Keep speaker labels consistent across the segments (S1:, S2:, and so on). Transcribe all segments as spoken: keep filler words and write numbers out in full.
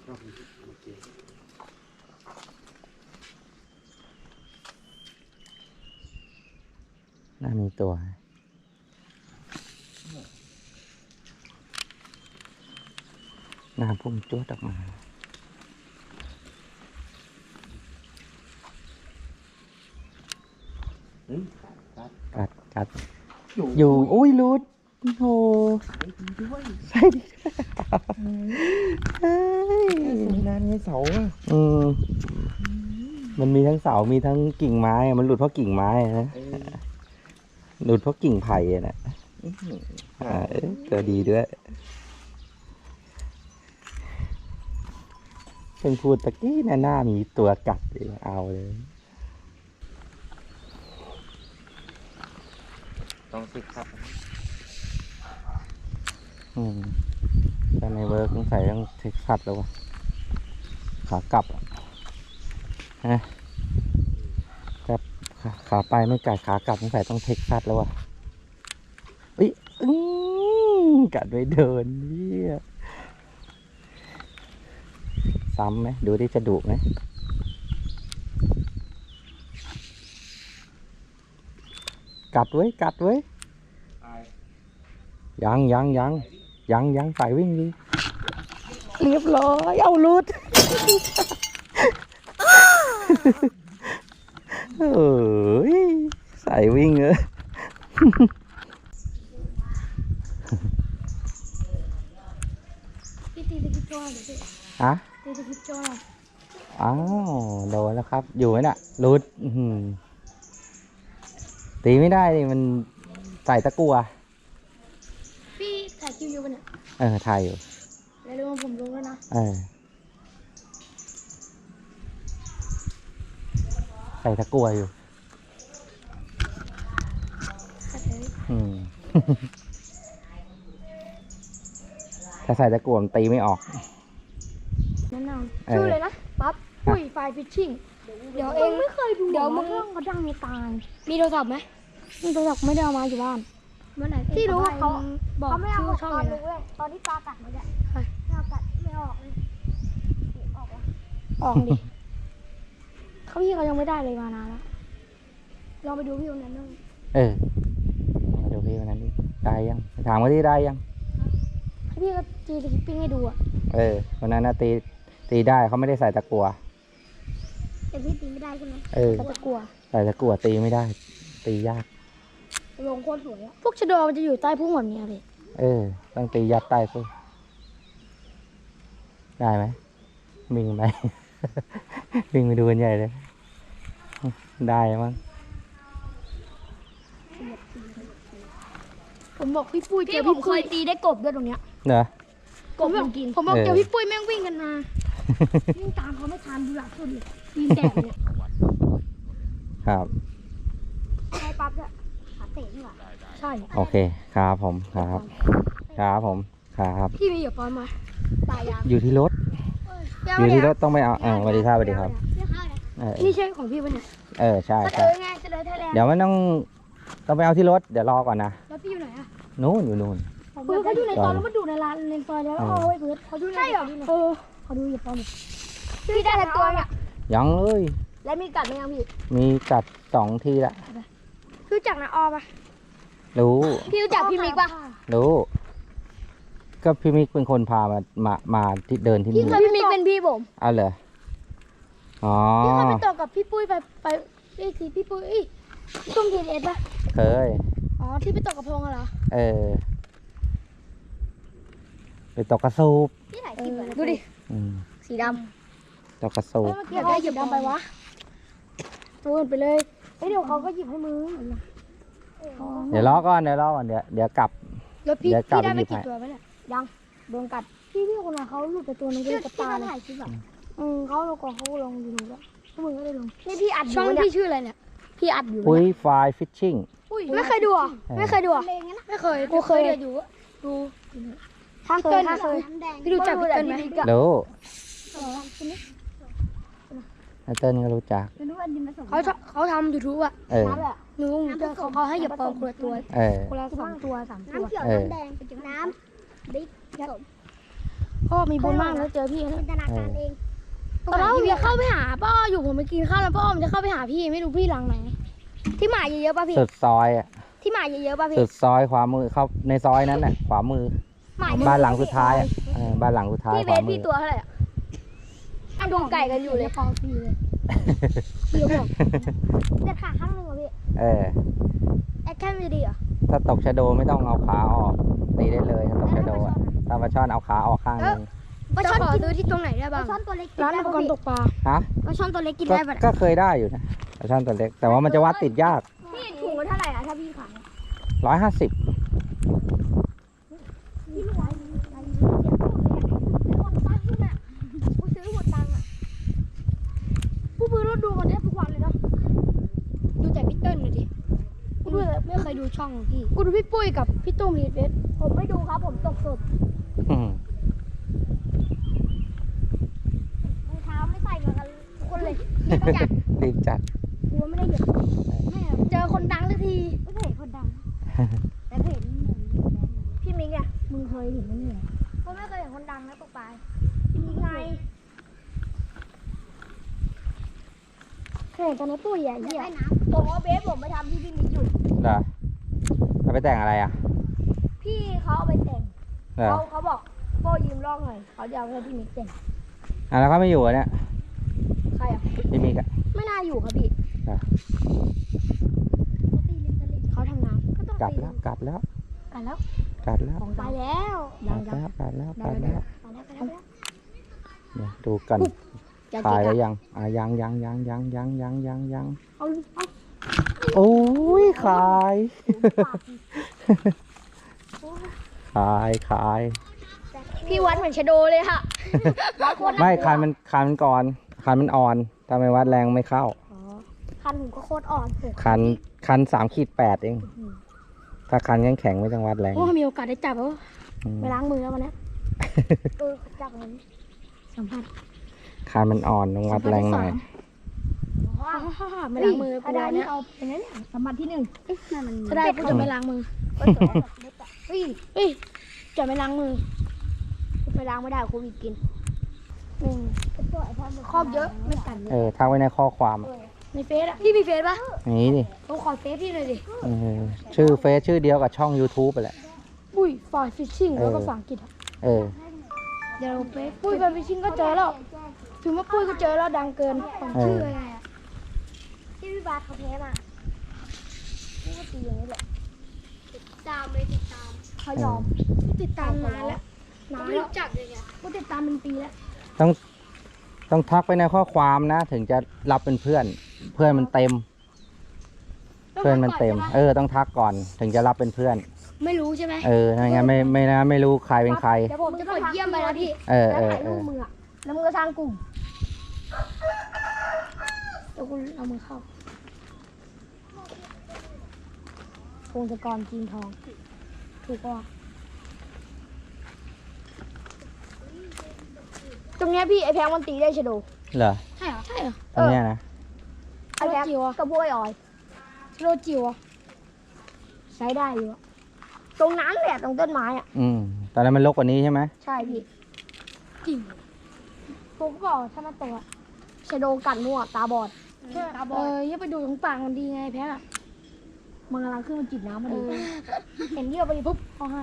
S1: น่ามีตัวน้ำพุ่งจ้วดออกมากัดกัดอยู่อุ้ยรุดโอ้ใช่ดิใช่นานไงเสาอ่ะอืมมันมีทั้งเสามีทั้งกิ่งไม้มันหลุดเพราะกิ่งไม้นะหลุดเพราะกิ่งไผ่นะอ่าตัวดีด้วยเพิ่งพูดตะกี้นะหน้ามีตัวกัดเอาเลยต้องซิกครับอืมแต่ในเวิร์กต้องใส่ต้องเท็กซัสแล้ววะขากลับฮะแต่ขาขาไปไม่กัดขากลับต้องใส่ต้องเท็กซัสแล้ววะอุ้ยอื้อกัดไปเดินเนี่ยซ้ำไหมดูที่จะดุไหมกัดไว้กัดไว้ยังยังยังยังยังใส่วิ่งดีเรียบร้อยเอาลุดเอ้ยใส่วิ่งเลย
S2: พี่ตีตะกี้จ้อยหรือพี่
S1: ฮะ
S2: ตีตะกี้จ้อย
S1: อ้าวโดนแล้วครับอยู่ไหมน่ะลุดตีไม่ได้ดิมันใส่ตะกั่ว
S2: พี่ถ่ายคลิปอยู่ปะเนี่ย
S1: เออถ่ายอยู่
S2: แล้วลงผมลงแล้วนะ
S1: เออใส่ตะกั่วอยู่อืมถ้าใส่ตะกั่วมันตีไม่ออก
S2: แนะนำชื่อเลยนะปั๊บปุ้ยไฟฟิชชิ่งเดี๋ยวเองไม่เคยดูเดี๋ยวมึงเขาดังในตามีโทรศัพท์ไหมมีโทรศัพท์ไม่ได้เอามาอยู่บ้านเมื่อไหร่ที่รู้ว่าเขาบอกชื่อช่องเลยตอนที่ปลากัดมันจะไม่เอากัดไม่ออกเลยออกวะออกดิเขาพี่เขายังไม่ได้เลยมานานแล้วลองไปดูพี่วันนั้นด้วย
S1: เออมาดูพี่วันนั้นดิได้ยังถามว่าที่ได้ยัง
S2: ให้พี่ก็จีสกิปปิ้งให้ดูอ่ะ
S1: เออวันนั้นนะตีตีได้เขาไม่ได้ใส่ตะกั่ว
S2: แต่พี่ตีไม่ได้ใช่ไหม
S1: เออ
S2: ตะกั่ว
S1: ใส่ตะกั่วตีไม่ได้ตียาก
S2: ลงโคตรสวยอ่ะพวกชะโดมันจะอยู่ใต้พุ่งแบบนี้เลย
S1: เออต้องตียัดใต้พุ่งได้ไหมวิ่งไป วิ่งไปดูกันใหญ่เลยได้มั้ง
S2: ผมบอกพี่ปุ้ยเจอพี่ปุ้ยตีได้กบด้วยตรงเนี้ย
S1: เนอะ
S2: กบมันกินผมบอกเจอพี่ปุ้ยแม่งวิ่งกันมาวิ่งตามเขาไม่ทันดูหลักสุดเลยวิ่งแดดเลย
S1: ครับ
S2: ใช่ปั๊บด้วยขาเตะนี่หว่าใช่
S1: โอเคครับผมครับครับผมครับ
S2: พี่มีอยู่ปอนมาตายยัง
S1: อยู่ที่รถอยู่ที่รถต้องไปเอาเออสวัสดีครับสวัสดีครับ
S2: นี่ใช่ของพี่ปะเนี่ย
S1: เออใช่ใช่เดี๋ยวมันต้องต้องไปเอาที่รถเดี๋ยวรอก่อนนะ
S2: แล้วพี่อยู่ไหนอะ
S1: นู้นอยู่นู้น
S2: เพื่อนเขาอยู่ในซอยแล้วมาดูในร้านในซอยแล้วเอาไว้เพื่อนเขาดูใช่เหรอเออเขาดูอยู่ปอนพี่ได้ตัวเนี่ย
S1: ยังเลย
S2: แล้วมีกัดไหมยังพี่
S1: มีกัดสองทีละ
S2: รู้จักนะออปะ
S1: รู้
S2: พี่รู้จักพี่มิกปะ
S1: รู้ก็พี่มิกเป็นคนพามามามาที่เดินที่นี่
S2: พี่มิกเป็นพี่ผม
S1: อ้าวเหรออ๋อ
S2: พี่เคยไปต่อกับพี่ปุ้ยไปไปไอ้ทีพี่ปุ้ยตุ้มทีเอสปะ
S1: เคย
S2: อ๋อที่ไปตกกระพงเหรอ
S1: เออไปตกกระสูบ
S2: ที่ไหนที่ดูดิสีด
S1: ำตกกระสูบ
S2: อยากได้หยิบดำไปวะตัวไปเลยเฮ้ยเดี๋ยวเขาก็หยิบให้มือ
S1: เดี๋ยวรอก่อนเดี๋ยวรอก่อนเดี๋ยวเดี๋ยวกลับ
S2: แล้วพี่พี่ได้ไปกี่ตัวไหมเนี่ยยังโดนกัดพี่พี่คนนั้นเขาหลุดไปตัวนึงก็เลยกระตาเลยอืมเขาลงก่อนเขาลงอยู่แล้วพวกมึงก็ได้ลงนี่พี่อัดช่องพี่ชื่ออะไรเนี่ยพี่อัดอยู่
S1: ปุ้ยไฟฟิชชิ่ง
S2: ไม่เคยดูอ่ะไม่เคยดูอ่ะไม่เคยกูเคยดูดูทางเกินเคยพี่รู้จักพี่เติ้ลไหม
S1: รู้เติ้ลก็รู้จัก
S2: เขาเขาทำยูทูบอ่ะ
S1: เออ
S2: หนูเขาเขาให้หยิบปอมคนละตัวคนละสองตัวสามตัว
S1: น้ำเขียวน้ำแดง
S2: น้ำบิ๊กผพ่อมีบุญมากแล้วเจอพี่นะ
S3: จินตนาการเอง
S2: ตอนนั้นผมจะเข้าไปหาพ่ออยู่ผมไปกินข้าวแล้วพ่อผมจะเข้าไปหาพี่ไม่รู้พี่หลังไหนที่หมาเยอะๆป่ะพี่
S1: สุดซอยอ่ะ
S2: ที่หมาเยอะๆป่ะพี่
S1: สุดซอยขวามือเข้าในซอยนั้นแหละขวามือ
S2: หมา
S1: บ้านหลังสุดท้ายอ่ะเออบ้านหลังสุดท้าย
S2: พี่
S1: ข
S2: เบ
S1: วา
S2: ส
S1: มื
S2: พี่
S1: อ
S2: ตัวเท่าไหร่อ่ะอ่ะดูไก่กันอยู่เลยพอพี่เลยพี่บอก
S3: เด็ดขาข้างหนึ่งเหรอพี่
S1: เออ
S2: แอคแค่ไม่ดีเหรอ
S1: ถ้าตกชะโดไม่ต้องเอาขาออกตีได้เลยถ้าตกชะโดอ่ะถ้าปลาช่อนเอาขาออกข้างนึง
S2: ปลาช่อนขอซื้อที่ตรงไหนได้
S3: ปลา
S2: บ้าง
S3: ช่อนตัวเล็กกิน
S2: ร้าน
S3: ได้
S2: อุป
S3: ปะ
S2: กร
S3: พี่
S2: ณ์ตกปลา
S1: ฮะ
S2: ปลาช่อนตัวเล็กกิน
S1: ก็
S2: ได้ปะ
S1: ก็เคยได้อยู่นะปลาช่อนตัวเล็ก แต่ว่ามันจะวัดติดยาก
S2: พี่ถุงละเท่าไหร่อ่ะถ้าพี่ขาย
S1: ร้อยห้าสิบ
S3: พี่ไม่ไหวอะไรเสียงพูดเลยอะหมดตังค์ขึ้นอ่ะกูซื้อหมดตังค์อ่ะ
S2: ผู้พื้นเราดูมันแทบทุกวันเลยเนาะดูแต่พี่เติ้ลเลยดิกูดูแต่ไม่เคยดูช่องของพี่กูดูพี่ปุ้ยกับพี่ตุ้มพีเฟส
S3: ผมไม่ดูครับผมตกสด
S1: อืม
S3: รองเท้าไม่ใส่เหมือนกันทุกคนเลย
S2: อยาก
S1: รีบจัด
S2: กูว่าไม่ได้เหยียบแม่เจอคนดังสักที
S3: ไม่เคยเห็นคนดังแต่เคยเห็นหนึ่งพี่มิงอ่ะ
S2: มึงเคยเห็นมั้ยเนี่ย
S3: ผมไม่เคยเห็นคนดังนะตกปลาพี่มิงไง
S2: เคยเห็นตอนนั้นปุ้ยอ่ะ
S3: อยาก
S2: เหี้ย
S3: ได้น้ำผมเอาเบสผมไปทำที่พี่มิงอยู่
S1: เหรอเอาไปแต่งอะไรอ่ะ
S3: พี่เขาเอาไปแต่ง
S1: เหรอ
S3: เขาเขาบอกโป้ยืมลอกหน่อยเขาจะเอาให้พี่มิกแต่ง
S1: อ่ะแล้วเขาไม่อยู่อ่ะเนี่ย
S3: ใครอ่ะ
S1: พี่มิกอ่ะ
S2: ไม่น่าอยู่ครับพี่
S1: เหรอ
S3: ตีลิงตะลิง
S2: เขาทำงาน
S3: ก็ต้อง
S1: กลับ
S3: ตี
S1: แล้วกลับแล้ว
S2: กันแล้ว
S1: กลับแล้ว
S3: ไปแล้ว
S1: กลับแล้วกลับแล้วกลับแล้ว
S3: ไปแล้วไปแล้วไปแล้ว
S1: เนี่ยดูกัน
S2: อย่า
S1: ถ่า
S2: เกะ
S1: ยแล้ว
S2: กะ
S1: ยังอ่ะยังยังยังยังยังยังยังยัง
S2: เอาเอา
S1: โอ้ยขาย ขายขาย
S2: พี่วัดเหมือนชะโดเลยค่ะ
S1: ไม่คันมันคันมันก่อนคันมันอ่อนถ้าไม่วัดแรงไม่เข้า
S3: คันผมก็โคตรอ่อนผม
S1: คันคันสามขีดแปดเอง ถ้าคันแข็งแข็งๆไม่ต้องวัดแรง
S2: โอ้มีโอกาสได้จับแล้ว
S1: อืม
S2: ไปล้างมือแล้ววันนี้
S3: เออจับมัน
S2: สัมผัส
S1: คันมันอ่อนต้องวัดแรงหน่อย
S3: ว้า
S2: ฮ่าฮ่าไม่ล้างมือ
S3: ถ้า
S2: กู
S3: ได้
S2: วัน
S3: นี่
S2: นี้
S3: เอาเป็นนั้นเนี่ยสมบัติที่หนึ่งนั่นมัน
S2: ถ้าได้กูจะไม่ล้างมือ
S3: ก็สวยแบบเล็กอะเฮ้ย
S2: เฮ้ยจะไม่ล้างมือ
S3: กูไปล้างไม่ได้โควิดกิน
S2: หนึ่ง
S3: เป็นตัวไอ้พ่อมัน
S2: ครอบเยอะไม่กัดเลย
S1: เออทักไว้ในข้อความอะ
S2: ในเฟซอะพี่มีเฟซปะ
S1: นี้ดิ
S2: ผมขอเฟซพี่หน่อยดิ
S1: เออชื่อเฟซชื่อเดียวกับช่อง YouTube ไปแหละ
S2: ปุ้ยฟอยฟิชชิ่งแล้วก็
S1: เออ
S2: ภาษาอังกฤษอะ
S1: เออ
S2: เดี๋ยวเฟซปุ้ยฟอยฟิชชิ่งก็เจอแล้วถึงว่าปุ้ยก็เจอแล้วดังเกิน
S1: เออ
S3: ชื่ออะไรอะที่พี่บาสเขาแพ้มาพี่ก็ตีอย่างนี้แหละติดตามเลยติดตามเขายอม
S2: ติดตามนานแล้ว
S3: นาน
S2: ไม่
S3: แล้ว
S2: รู้จักเลยเนี่ย
S3: กูติดตามเป็นปีแล้ว
S1: ต้องต้องทักไปในข้อความนะ ถึงจะรับเป็นเพื่อน เพื่อนมันเต็ม เพื่อนมันเต็ม เออ ต้องทักก่อนถึงจะรับเป็นเพื่อน
S2: ไม่รู้ใช่ไหม
S1: เออไม่งั้นไม่ไม่นะไม่รู้ใครเป็นใคร
S2: เดี๋ยวผมจะกดเยี่ยมไปแล้วพี่
S1: เออ
S3: แล้ว
S1: เออ
S3: ถ่าย
S1: เอ
S3: รู
S1: อ
S3: ปมืออะแล้วมึงก็สร้างกลุ่ม
S2: เดี๋ยวคุณเอามือเข้าพงศกรจีนทอง ถูกป่ะตรงเนี้ยพี่ไอแพงมันตีได้ชะโด
S1: เหรอ
S2: ใช่เหรอ ใช่เหรอ
S1: ตรงเนี้ยนะ
S3: ไอ้แพ็ค
S2: จิ๋วอะ
S3: กับพวกไอ้ออย
S2: ชะโดจิ๋วอะ
S3: ใช้ได้อยู่อะตรงนั้นแหละตรงต้นไม้อะ
S1: อืมตอนนั้นมันรกกว่านี้ใช่ไหม
S3: ใช่พี่
S2: จิ๋วผมก็บอกถ้ามันโตอะ
S3: ชะโดกัดมั่วตาบอด
S2: เอออย่าไปดูตรงปากมันดีไงแพ้อะ
S3: มันกำลังขึ้นมาจิบน้ำมา
S2: เอ
S3: ดู
S2: อ
S3: เห็นเยี่ยวไปดิปุ๊บ
S2: เขาให้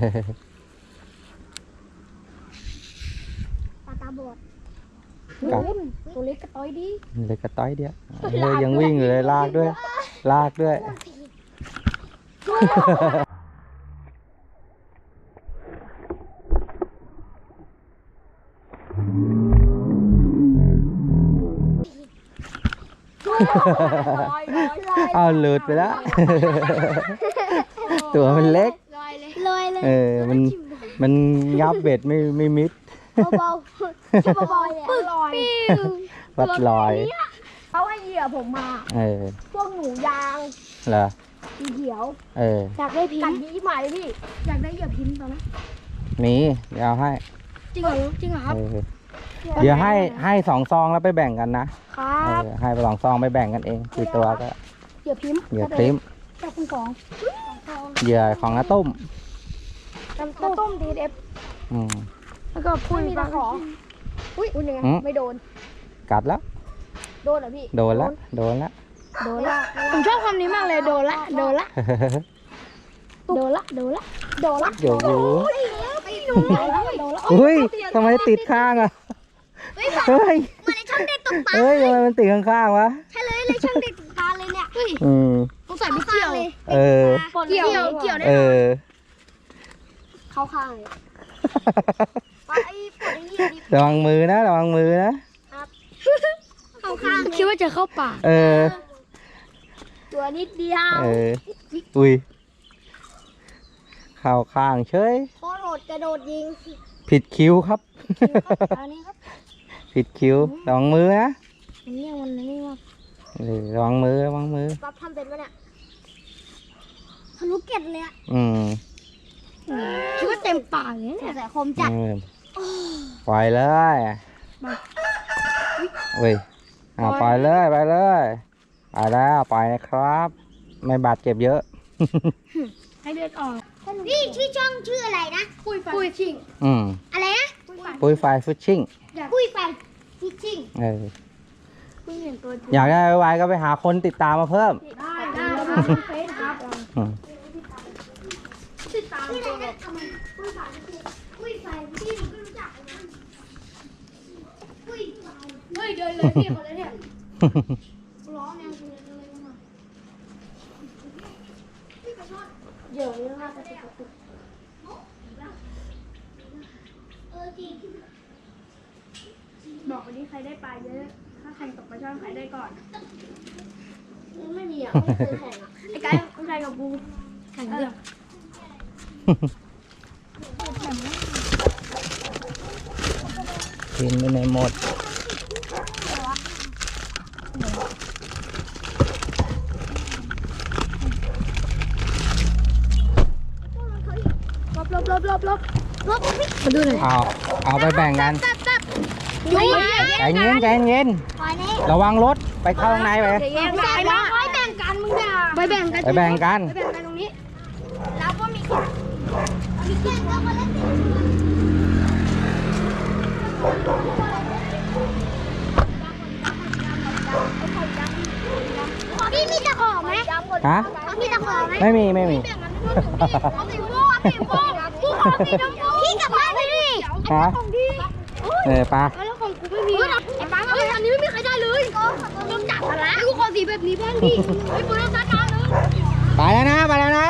S3: ตาตาบอด
S1: ครับ
S2: นุ่นตัวเล็กกระต้อยดี
S1: เลยกระต้อยเดียวเออยังวิ่งอยู่เลยลากด้วย ลากด้วย
S3: ลอยลอยลอย
S1: เอาหลุดไปแล้ว ตัวมันเล็ก
S2: ลอยเลย
S3: ลอยเลย
S1: เออ มัน มันงับเบ็ดไม่ไม่มิด
S3: เบาๆชื่อเบาๆเลยอะลอย
S1: วัดลอย
S3: เขาให้เหยื่อผมมา
S1: เออ
S3: พวกหนูยาง
S1: เหรอ
S3: สีเขียว
S1: เออ
S2: อยากได้พิม
S3: กัด
S2: พ์
S3: ยี่หมายเลยพี่
S2: อยากได้เหยื่อพิมพ์ตอนนั้น
S1: มีเดี๋ยวเอาให้
S2: จริงเหรอจริงเหรอครับ
S1: เออ เดี๋ยวให้ให้สองซองแล้วไปแบ่งกันนะ
S2: ครั
S1: เอบ อ ให้ไปสองซองไปแบ่งกันเองกี่ตัวก็
S2: เหยื่อพิมพ์
S1: เหยื่อคลิม
S2: จากคุณสอง
S1: เหยื่อของน้าตุ้ม
S2: น้ำต้มดีเอฟ
S1: อืม
S2: แล้วก็ปุ้ย
S3: มี
S2: ปลา
S3: ตะขออุ้ยอุ้ยยังไง
S1: อืม
S3: ไม่โดน
S1: กัดแล้ว
S3: โดนเหรอพี่
S1: โดนละโดนละ
S3: โดนละ
S2: ผมชอบคำนี้มากเลยโดนละโดนละโดนละโดนละโดนละ
S1: เดี๋ยวอยู่
S3: ไม่โดนละโดนละ
S1: อุ้ยทำไมติดข้างอ่ะ
S3: เฮ้ยแบบ
S1: เฮ้ย
S3: มันในช่องเด็กตกปลา
S1: เฮ้ยทำไมมันติดข้างๆวะ
S3: ใช่เลยเลยช่องเด็กตกปลาเลยเนี่ย
S1: อืม
S2: ต้องใส่ไม่เกี่ยว
S3: เลย
S1: เออ
S2: เกี่ยวเกี่ยวได้
S1: เออ
S3: เข้าข้างเลยปลาไอ้ปวดไอ้นี่ดิ
S1: ระวังมือนะระวังมือนะ
S3: เข้าข้าง
S2: คิดว่าจะเข้าปาก
S1: เออ
S3: ตัวนิดเดียว
S1: เออ อุ้ยเข่าข้างเฉย
S3: โคตรโหดกระโดดยิง
S1: ผิดคิวครับ
S3: อันนี้ครับ
S1: ผิดคิวระวังมือนะ
S2: อันนี้มันนี่ว่า
S1: เออระวังมือระวังมือ
S3: ปั๊บทำเป็นปะเนี่ยทะลุเกล็ดเลยอะ
S1: อืม
S2: คิดว่าเต็มปากเลยเนี่ย
S3: แต่คมจัด
S1: เออปล่อยเลยเว้ยอ่าปล่อยเลยไปเลยไปแล้วปล่อยนะครับ ไม่บาดเจ็บเยอะ
S2: ให้เลือดออก
S3: นี่ชื่อช่องชื่ออะไรนะ
S2: ปุ้ยปุ้ยชิง
S1: อืม
S3: อะไรนะ
S1: ปุ้ยไฟฟิชชิ่ง
S3: ปุ้ยไฟฟิชชิ่ง
S1: เออ
S2: ปุ้ยเห็นตัวจริง
S1: อยากได้ไวๆก็ไปหาคนติดตามมาเพิ่ม
S2: ได้ได้ครับเฟซครับ
S1: อืม
S2: ติดตาม
S3: นี่อะไรนะทำไมปุ้ยไฟปุ้ยไฟพี่ผมไม่รู้จักเลยนะปุ้ยไฟ
S2: เฮ้ยเดินเลยพี่คนเลยเนี่ยร้องแนวเลยเลยมาเยอะเลยค่ะแต่ติด
S3: เออจริง
S2: บอกวันนี้ใครได้ปลาเยอะ ถ้าใครตกปลาช่อนใครได้ก่อน
S3: ไม่มีอ่ะไม่เคยแข่งอ่ะ
S2: ไอ้ไก่ไอ้ไก่กับกูแข่งเดียว
S1: กินไปในหมด
S2: ลบลบลบลบลบลบมาดูหน่อย
S1: เอาเอาไปแบ่งกัน
S2: ยุ่ง
S1: ใจเย็นใจเย็น
S3: ปล่อยนี่
S1: ระวังรถไปเข้าข้างในไป
S2: แบ่งกันนะไปแบ่งกันมึงด่าไปแบ่งกัน
S1: ไปแบ่งกัน
S2: ไปแบ่งกันตรงนี้
S3: แล้วก็มีมีแก้วก็มาเล่นพี่มีตะขอไหม
S1: ฮะ
S3: มีตะขอไหม
S1: ไม่มีไม่มี
S3: เอาสีม่วงสีม่วงกูขอสีชมพูพี่กลับบ้านไปดิ
S1: ฮะเออปลา
S2: แล้วของกูไม่มีไอ้ป้าเฮ้ยอันนี้ไม่มีใครได้เลยต้องจับกันละกูขอสีแบบนี้บ้างดิไอ้ปืนต้องจัดการเลย
S1: ไปแล้วนะไปแล้วนะ